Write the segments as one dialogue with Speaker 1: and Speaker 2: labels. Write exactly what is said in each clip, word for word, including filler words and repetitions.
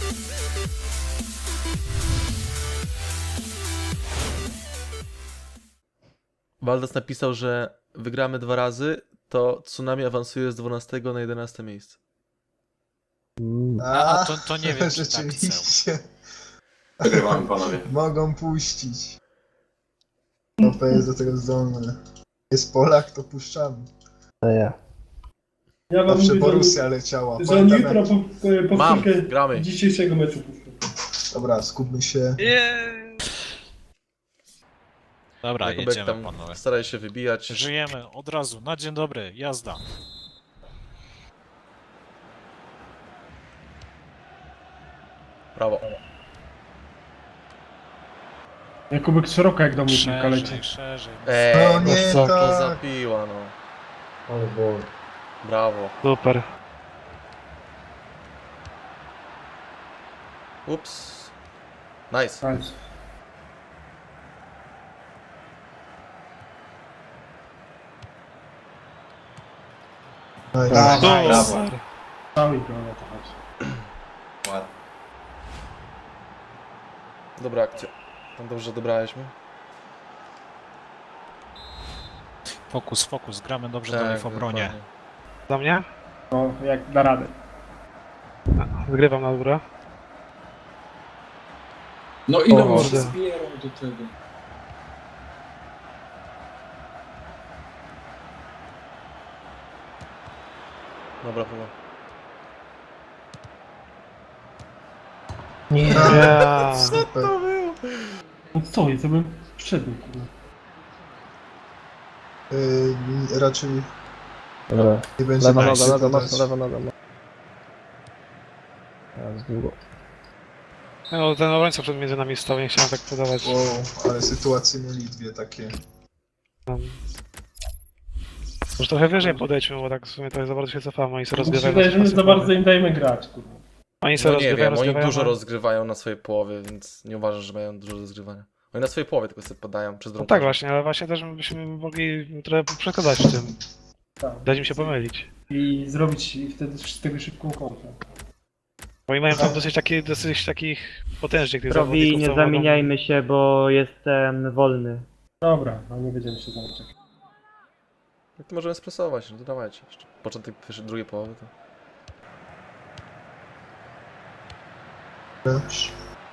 Speaker 1: Waldas napisał, że wygramy dwa razy, to Tsunami awansuje z dwunastego na jedenaste miejsce.
Speaker 2: A, to, to nie wiem, czy tak chcę.
Speaker 3: rzeczywiście.
Speaker 4: Wygrywamy, panowie.
Speaker 3: Mogą puścić. O P jest do tego zdolny. Jest Polak, to puszczamy.
Speaker 5: No ja.
Speaker 6: Ja wam
Speaker 3: Zawsze
Speaker 6: mówię,
Speaker 3: Borussia leciała.
Speaker 6: że, że oni
Speaker 3: Pamiętam,
Speaker 6: jutro
Speaker 3: jak...
Speaker 6: po,
Speaker 1: Mam,
Speaker 6: powtórkę
Speaker 1: gramy.
Speaker 6: dzisiejszego meczu puszczą.
Speaker 3: Dobra, skupmy się.
Speaker 2: Dobra,
Speaker 1: Jakubek
Speaker 2: jedziemy,
Speaker 1: tam
Speaker 2: panowie.
Speaker 1: staraj się wybijać.
Speaker 2: Żyjemy od razu, na dzień dobry, jazda.
Speaker 1: Brawo.
Speaker 6: Jakubek szeroko jak do mnie piłka leci.
Speaker 2: Szerzej, szerzej.
Speaker 1: Eee,
Speaker 3: No nie,
Speaker 1: co to
Speaker 3: tak.
Speaker 1: za piła, no.
Speaker 5: Ale było.
Speaker 1: Brawo.
Speaker 5: Super.
Speaker 1: Ups. Nice.
Speaker 6: Nice.
Speaker 3: Nice.
Speaker 6: Brawo.
Speaker 4: Brawo.
Speaker 6: Cały go na to chodzi.
Speaker 4: Ładnie.
Speaker 1: Dobra akcja. No dobrze dobraliśmy.
Speaker 2: Fokus, fokus, gramy dobrze do
Speaker 1: Tak,
Speaker 2: nich w obronie.
Speaker 1: dokładnie.
Speaker 5: Za mnie?
Speaker 6: No, jak da radę.
Speaker 5: Wygrywam na górę.
Speaker 4: No ile
Speaker 5: O,
Speaker 4: on się
Speaker 5: kurde.
Speaker 4: zbierał do tego?
Speaker 1: Dobra, chyba.
Speaker 3: Nie.
Speaker 5: Ja.
Speaker 3: Super.
Speaker 6: No co, ja bym wszedł, kurde.
Speaker 3: Yy, raczej
Speaker 5: Dobra.
Speaker 3: nie będzie
Speaker 5: Lewa
Speaker 3: nam
Speaker 5: noga,
Speaker 3: się
Speaker 5: lewa
Speaker 3: podać.
Speaker 5: noga, lewa noga. Ja z długo. No ten obrońca przed między nami stał, nie chciałem tak podawać.
Speaker 3: Wow, ale sytuacje mieli dwie takie.
Speaker 5: Tam. Może trochę wyżej podejdźmy, bo tak w sumie to za bardzo się cofamy, oni sobie
Speaker 6: Mi się
Speaker 5: rozgrywają.
Speaker 6: wydaje, że my
Speaker 5: na
Speaker 6: za
Speaker 5: swojej
Speaker 6: bardzo im dajemy grać, kurde.
Speaker 5: połowie. Oni sobie
Speaker 1: No nie
Speaker 5: rozgrywają,
Speaker 1: wiem, oni
Speaker 5: rozgrywają.
Speaker 1: dużo
Speaker 5: a-
Speaker 1: rozgrywają na swojej połowie, więc nie uważam, że mają dużo do zgrywania. Oni na swojej połowie tylko sobie podają przez
Speaker 5: No
Speaker 1: drugą.
Speaker 5: tak właśnie, ale właśnie też byśmy mogli trochę przekładać w tym.
Speaker 6: Tak.
Speaker 5: Dać im się pomylić.
Speaker 6: I zrobić wtedy z tego szybką kontrę.
Speaker 5: Bo oni mają tam dosyć, taki, dosyć takich potężnych tych
Speaker 7: Robi,
Speaker 5: zawodników,
Speaker 7: nie
Speaker 5: co mogą-
Speaker 7: zamieniajmy się, bo jestem wolny.
Speaker 6: Dobra, no nie będziemy się zamykać.
Speaker 1: No to możemy stresować, no to dawajcie jeszcze. Początek pierwszej, drugiej połowy to...
Speaker 3: Lecz.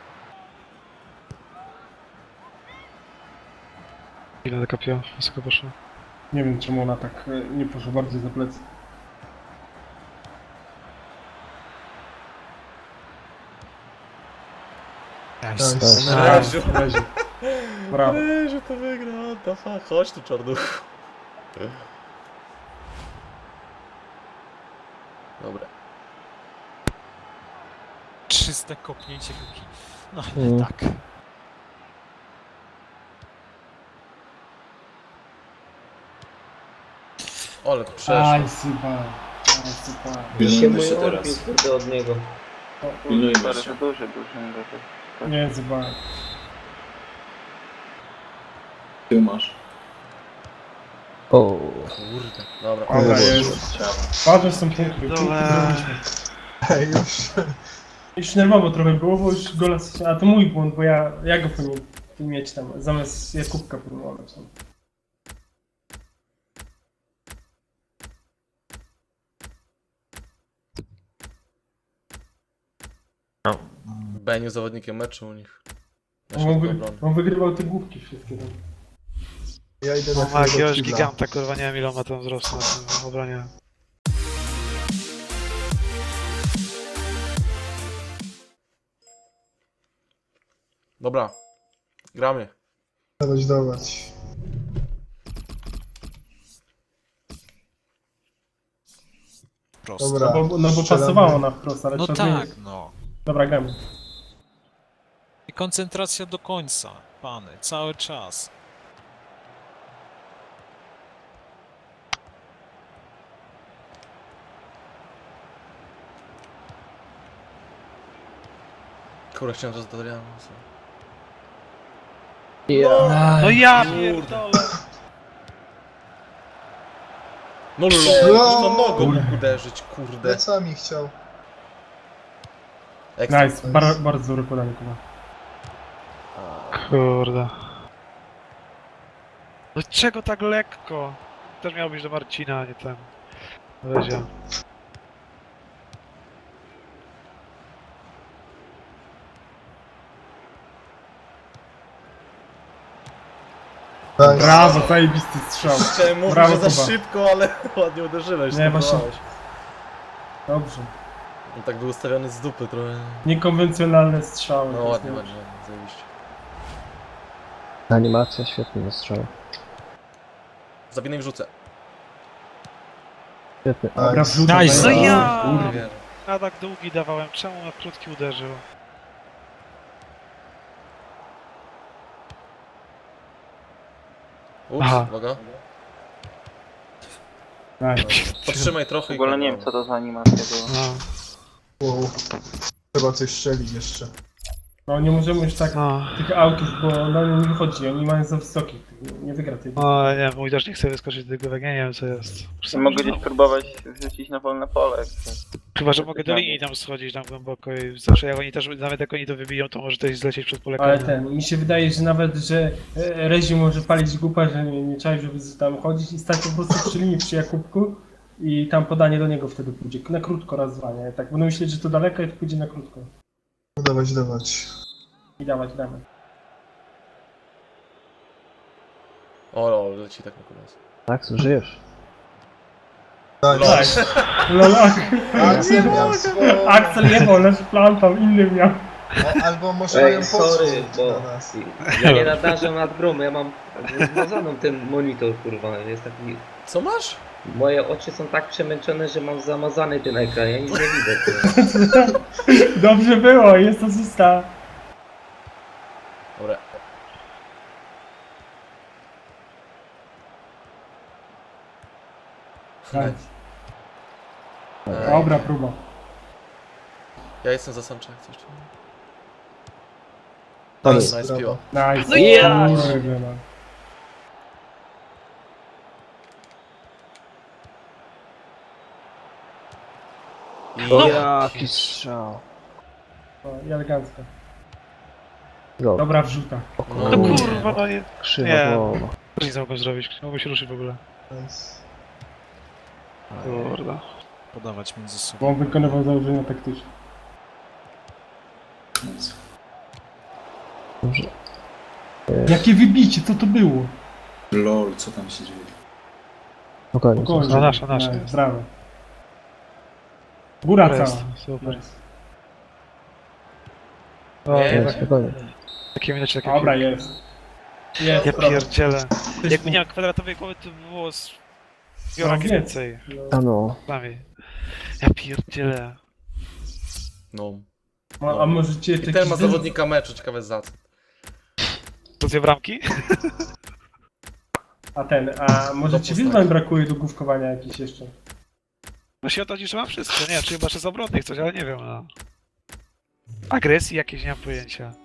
Speaker 5: Ile dekapiła, wysoko poszło.
Speaker 6: Nie wiem czemu ona tak e, nie poszła bardziej za plecy.
Speaker 2: Nice.
Speaker 3: Nice.
Speaker 1: Reziu.
Speaker 6: Leży. Brawo.
Speaker 1: Reziu to wygra, what the fuck. Chodź tu, czarnuch. Dobra.
Speaker 2: Czyste kopnięcie piłki. No ale
Speaker 5: Mm.
Speaker 2: tak.
Speaker 1: Ale to przeszło.
Speaker 6: Aj, sypa. Aj, sypa.
Speaker 4: Pilnujmy się teraz.
Speaker 7: kurde od niego.
Speaker 4: Pilnujmy się.
Speaker 6: Nie, sypa.
Speaker 4: Ty masz.
Speaker 5: O.
Speaker 1: Kurde, dobra.
Speaker 6: Dobra,
Speaker 3: Jezu.
Speaker 6: jest.
Speaker 4: Ciało.
Speaker 6: Ważne są punkty. Punkty
Speaker 5: Dobra.
Speaker 6: zrobiliśmy.
Speaker 3: Ej, już.
Speaker 6: Już nerwowo trochę było, bo już gola... A to mój błąd, bo ja, ja go powinien mieć tam, zamiast Jakubka próbować.
Speaker 1: Beniu zawodnikiem meczu u nich. Na
Speaker 6: On,
Speaker 1: środku
Speaker 6: wy,
Speaker 1: obrony.
Speaker 6: on wygrywał te główki wszystkie tam.
Speaker 3: Ja idę na
Speaker 5: No ma
Speaker 3: chwilę do
Speaker 5: jakiegoś
Speaker 3: kibla.
Speaker 5: giganta, kurwa, nie wiem ile on ma tam wzrostu na tym obronie.
Speaker 1: Dobra. Gramy.
Speaker 3: Dawać, dawać.
Speaker 2: Prosto.
Speaker 3: Dobra.
Speaker 6: No bo, no bo
Speaker 3: strzelamy.
Speaker 6: pasowało na wprost, ale
Speaker 2: No
Speaker 6: trzeba
Speaker 2: tak,
Speaker 6: zmienić.
Speaker 2: no.
Speaker 6: Dobra, gramy.
Speaker 2: I koncentracja do końca, pany, cały czas.
Speaker 1: Kurde, chciałem teraz do Adriana.
Speaker 5: No ja pierdolę!
Speaker 1: No
Speaker 3: No.
Speaker 1: lol, no nogą mógł uderzyć, kurde.
Speaker 3: Plecami chciał.
Speaker 1: Ekstra.
Speaker 6: Nice, bar bardzo dobre podanie, Kuba.
Speaker 5: Kurde. No czego tak lekko? Też miał być do Marcina, a nie ten. Wezia.
Speaker 3: Nice.
Speaker 6: Brawo, zajebisty strzał.
Speaker 1: Chciałem mówić,
Speaker 6: Brawo,
Speaker 1: że za
Speaker 6: Kuba.
Speaker 1: szybko, ale ładnie uderzyłeś.
Speaker 6: Nie, właśnie.
Speaker 1: spróbowałeś.
Speaker 6: Dobrze.
Speaker 1: On tak był ustawiony z dupy trochę.
Speaker 6: Niekonwencjonalne strzały.
Speaker 1: No
Speaker 6: to jest
Speaker 1: ładnie,
Speaker 6: nie-
Speaker 1: ładnie, ładnie, zajebiście.
Speaker 8: Animacja świetnie do strzału.
Speaker 1: Zabinę i wrzucę.
Speaker 8: Świetnie.
Speaker 6: Dobra,
Speaker 3: Nice.
Speaker 6: wrzucam.
Speaker 2: Nice.
Speaker 6: daję.
Speaker 5: No ja!
Speaker 6: Kurde.
Speaker 5: A tak długi dawałem, czemu na krótki uderzył?
Speaker 1: Ups,
Speaker 5: Aha.
Speaker 1: uwaga.
Speaker 6: Nice.
Speaker 1: Podtrzymaj trochę
Speaker 9: W
Speaker 1: i...
Speaker 9: ogóle nie wiem co to za animacja była.
Speaker 5: No,
Speaker 3: Wow. Trzeba coś strzelić jeszcze.
Speaker 6: No nie możemy już tak
Speaker 5: no.
Speaker 6: tych autów, bo na nie nie wychodzi, oni mają za wysokich, nie wygra tej.
Speaker 5: No, nie, mój też nie chce wyskoczyć do tego wega, nie wiem co jest.
Speaker 9: Nie mogę gdzieś próbować wrzucić na wolne pole. jak chcesz.
Speaker 5: Chyba, że mogę do linii tam schodzić tam głęboko i zawsze jak oni też, nawet jak oni to wybiją, to może też zlecieć przed pole
Speaker 6: Ale
Speaker 5: karne.
Speaker 6: ten, mi się wydaje, że nawet, że e, Rezi może palić głupa, że nie, nie trzeba, żeby tam chodzić i stać po prostu przy linii, przy Jakubku i tam podanie do niego wtedy pójdzie. Na krótko raz, dwa, nie? Tak będą myśleć, że to daleko i to pójdzie na krótko.
Speaker 3: No dawać, dawać.
Speaker 6: I dawać, dawać.
Speaker 1: O, o, leci tak na koniec.
Speaker 8: Tak, żyjesz.
Speaker 3: Nice.
Speaker 6: Nice. Lol,
Speaker 3: Axel miał swoją...
Speaker 6: Axel nie był, lecz plantał, inny miał.
Speaker 3: O, albo może
Speaker 10: Ej,
Speaker 3: mają
Speaker 10: sorry,
Speaker 3: podsłuch
Speaker 10: bo
Speaker 3: na nas.
Speaker 10: ja nie nadarzam nad grą, ja mam zmazaną ten monitor, kurwa, jest taki...
Speaker 1: Co masz?
Speaker 10: Moje oczy są tak przemęczone, że mam zamazany ten ekran, ja nic nie widzę, kurwa.
Speaker 6: Dobrze było, jest asysta.
Speaker 1: Dobra.
Speaker 6: Nice.
Speaker 1: Ej,
Speaker 6: Dobra próba.
Speaker 1: Ja jestem za Sancha, jak coś.
Speaker 8: To
Speaker 3: Nice,
Speaker 1: Nice
Speaker 3: brawo.
Speaker 1: piło.
Speaker 6: Nice.
Speaker 5: No ja!
Speaker 6: Kurde, no.
Speaker 1: I...
Speaker 8: Jaki strzał.
Speaker 6: No, i elegancko.
Speaker 8: Go.
Speaker 6: Dobra wrzuta.
Speaker 1: No,
Speaker 5: No
Speaker 1: nie.
Speaker 5: kurwa, no nie.
Speaker 8: Krzywa
Speaker 5: Nie.
Speaker 8: głowa.
Speaker 5: Nic nie mogłem zrobić, nie mogłem się ruszyć w ogóle.
Speaker 3: Nice.
Speaker 5: Kurde.
Speaker 2: Podawać między sobą.
Speaker 6: Bo on wykonywał założenia taktyczne.
Speaker 8: Dobrze.
Speaker 6: Jakie wybicie, co to było?
Speaker 4: Lol, co tam się dzieje?
Speaker 8: Spokojnie.
Speaker 6: Spokojnie.
Speaker 5: No, nasza, nasza
Speaker 6: Nice,
Speaker 5: jest.
Speaker 6: brawo. Góra
Speaker 5: Dobra,
Speaker 6: cała.
Speaker 5: jest, super.
Speaker 6: Nice.
Speaker 5: O,
Speaker 1: Nie,
Speaker 5: nie,
Speaker 8: Nie,
Speaker 5: tak,
Speaker 8: spokojnie.
Speaker 5: takie minecie, takie
Speaker 6: Dobra, jest. Jest,
Speaker 5: Ja
Speaker 6: brawo.
Speaker 5: pierdzielę.
Speaker 6: Też
Speaker 5: Jakby
Speaker 6: mu-
Speaker 5: nie miał kwadratowej głowy, to by było z...
Speaker 6: No,
Speaker 5: Bioraki
Speaker 6: więcej.
Speaker 5: więcej.
Speaker 6: No.
Speaker 8: A no.
Speaker 5: Przynajmniej. Ja pierdzielę.
Speaker 1: No.
Speaker 6: A, a możecie
Speaker 1: I
Speaker 6: jakiś
Speaker 1: ten ma
Speaker 6: wy-
Speaker 1: zawodnika meczu, ciekawe za co.
Speaker 5: To dwie bramki?
Speaker 6: A ten, a może ci
Speaker 1: postać.
Speaker 6: wyzwań brakuje do główkowania jakichś jeszcze?
Speaker 5: No się o to dziś, że mam wszystko. Nie wiem, czy chyba że z obronnych coś, ale nie wiem, no. Agresji jakieś, nie mam pojęcia.